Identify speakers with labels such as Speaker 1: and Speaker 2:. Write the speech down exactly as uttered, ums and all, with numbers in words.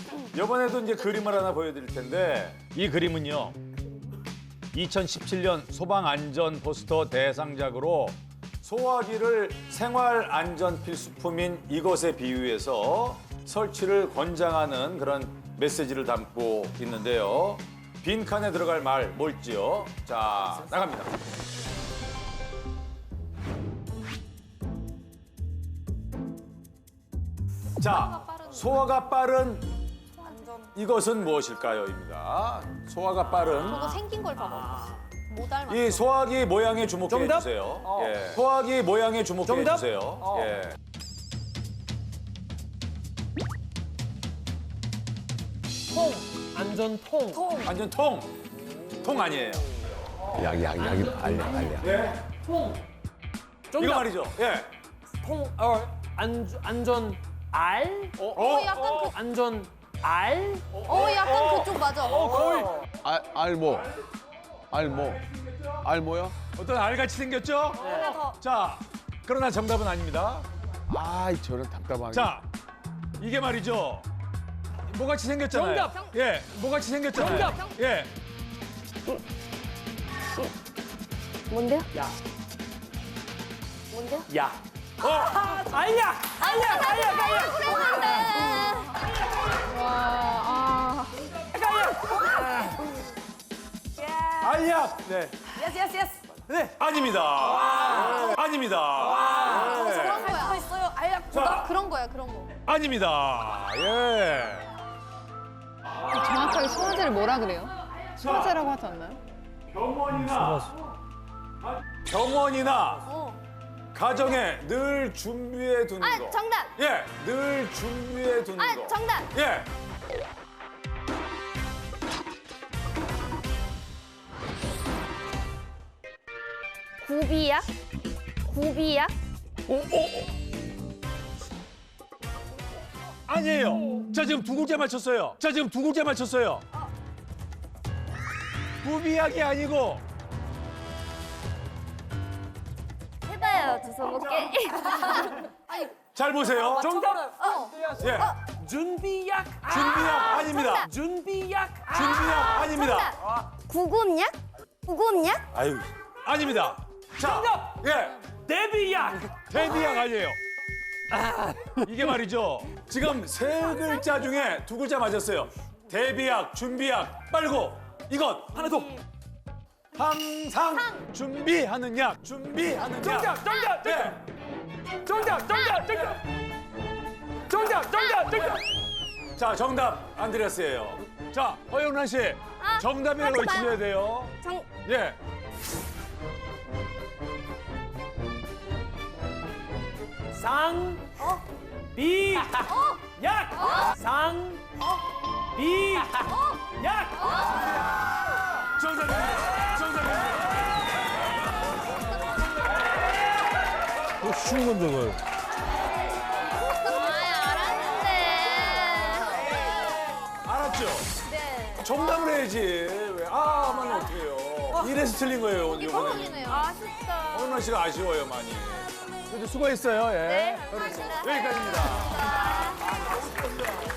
Speaker 1: 이번에도 이제 그림을 하나 보여드릴 텐데 이 그림은요. 이천십칠 년 소방안전 포스터 대상작으로 소화기를 생활안전 필수품인 이것에 비유해서 설치를 권장하는 그런 메시지를 담고 있는데요. 빈칸에 들어갈 말 뭘지요? 자, 나갑니다. 자, 소화가 빠른 이것은 무엇일까요?입니다. 소화가 빠른
Speaker 2: 저거 생긴 걸 봐봐. 못 닮았어.
Speaker 1: 이 소화기 모양에 주목해
Speaker 3: 정답?
Speaker 1: 주세요.
Speaker 3: 어.
Speaker 1: 예. 소화기 모양에 주목해
Speaker 3: 정답?
Speaker 1: 주세요.
Speaker 3: 어.
Speaker 1: 예.
Speaker 3: 통. 안전통. 통.
Speaker 1: 완전 통. 통 아니에요.
Speaker 4: 약, 약, 약이 알약, 알약.
Speaker 1: 예.
Speaker 3: 통.
Speaker 1: 이거
Speaker 3: 정답.
Speaker 1: 말이죠. 예.
Speaker 3: 통. 어. 안 안전 알. 어.
Speaker 2: 어, 약간 그,
Speaker 3: 안전 알.
Speaker 2: 어, 약간 그쪽 맞아.
Speaker 3: 어 거의.
Speaker 4: 알, 알모. 알모. 알모야?
Speaker 1: 어떤 알같이 생겼죠?
Speaker 2: 하나 더.
Speaker 1: 자, 그러나 정답은 아닙니다.
Speaker 4: 아이, 저런 답답하게.
Speaker 1: 자, 이게 말이죠. 뭐같이 생겼잖아요.
Speaker 3: 정답.
Speaker 1: 예, 뭐같이 생겼잖아요.
Speaker 3: 정답.
Speaker 1: 예.
Speaker 2: 뭔데요?
Speaker 3: 야.
Speaker 2: 뭔데요?
Speaker 3: 야.
Speaker 1: 어,
Speaker 3: 알약. 알약. 알약. 알약.
Speaker 2: 그랬는데.
Speaker 1: 알약. 네.
Speaker 2: 예스, 예스, 예스.
Speaker 3: 네.
Speaker 1: 아닙니다. 아닙니다. 예.
Speaker 2: 그런 거야. 있어요. 알약.
Speaker 1: 자.
Speaker 2: 그런 거야, 그런 거.
Speaker 1: 아닙니다. 예.
Speaker 5: 정확하게 소화제를 뭐라 그래요? 소화제라고 하지 않나요?
Speaker 1: 병원이나 병원이나
Speaker 2: 어.
Speaker 1: 가정에 늘 준비해 두는
Speaker 2: 아,
Speaker 1: 거.
Speaker 2: 정답.
Speaker 1: 예, 늘 준비해 두는
Speaker 2: 아,
Speaker 1: 거.
Speaker 2: 정답.
Speaker 1: 예.
Speaker 2: 구비약? 구비약?
Speaker 1: 아니에요. 자, 지금 두 글자 맞췄어요. 자, 지금 두 글자 맞췄어요. 구비약이 아니고
Speaker 2: 해봐요, 주워 먹게.
Speaker 1: 잘 보세요.
Speaker 3: 정답.
Speaker 2: 어.
Speaker 1: 예.
Speaker 3: 준비약.
Speaker 1: 준비약 아닙니다.
Speaker 2: 정답.
Speaker 3: 준비약.
Speaker 1: 준비약 아닙니다.
Speaker 2: 정답. 구급약? 구급약?
Speaker 1: 아유, 아닙니다. 자,
Speaker 3: 정답.
Speaker 1: 예.
Speaker 3: 데뷔약.
Speaker 1: 데뷔약 아니에요. 이게 말이죠. 지금 세 글자 중에 두 글자 맞았어요. 데뷔약, 준비약, 빨고 이것 하나 더. 항상 준비하는 약, 준비하는 약.
Speaker 3: 정답. 정답.
Speaker 1: 예.
Speaker 3: 정답. 정답. 정답. 정답. 정답. 정답.
Speaker 1: 자, 정답 안드레스예요. 자, 허영란 씨,
Speaker 2: 아,
Speaker 1: 정답이라고
Speaker 2: 하지 마요.
Speaker 1: 외치셔야 돼요.
Speaker 2: 정,
Speaker 1: 예.
Speaker 3: 상.
Speaker 2: 어?
Speaker 3: 비.
Speaker 2: 어?
Speaker 3: 약. 상. 비. 약.
Speaker 1: 정답입니다. 정답입니다.
Speaker 4: 쉬운 건데, 그걸.
Speaker 2: 아, 알았는데.
Speaker 1: 알았죠?
Speaker 2: 네.
Speaker 1: 정답을 해야지. 왜? 아, 하면 어떡해요. 이래서 틀린 거예요,
Speaker 2: 이게
Speaker 1: 이번에는.
Speaker 2: 뻥이네요. 아쉽다.
Speaker 1: 허영란 씨가 아쉬워요, 많이. 그래도 수고했어요, 예.
Speaker 2: 네, 감사합니다.
Speaker 1: 여기까지입니다.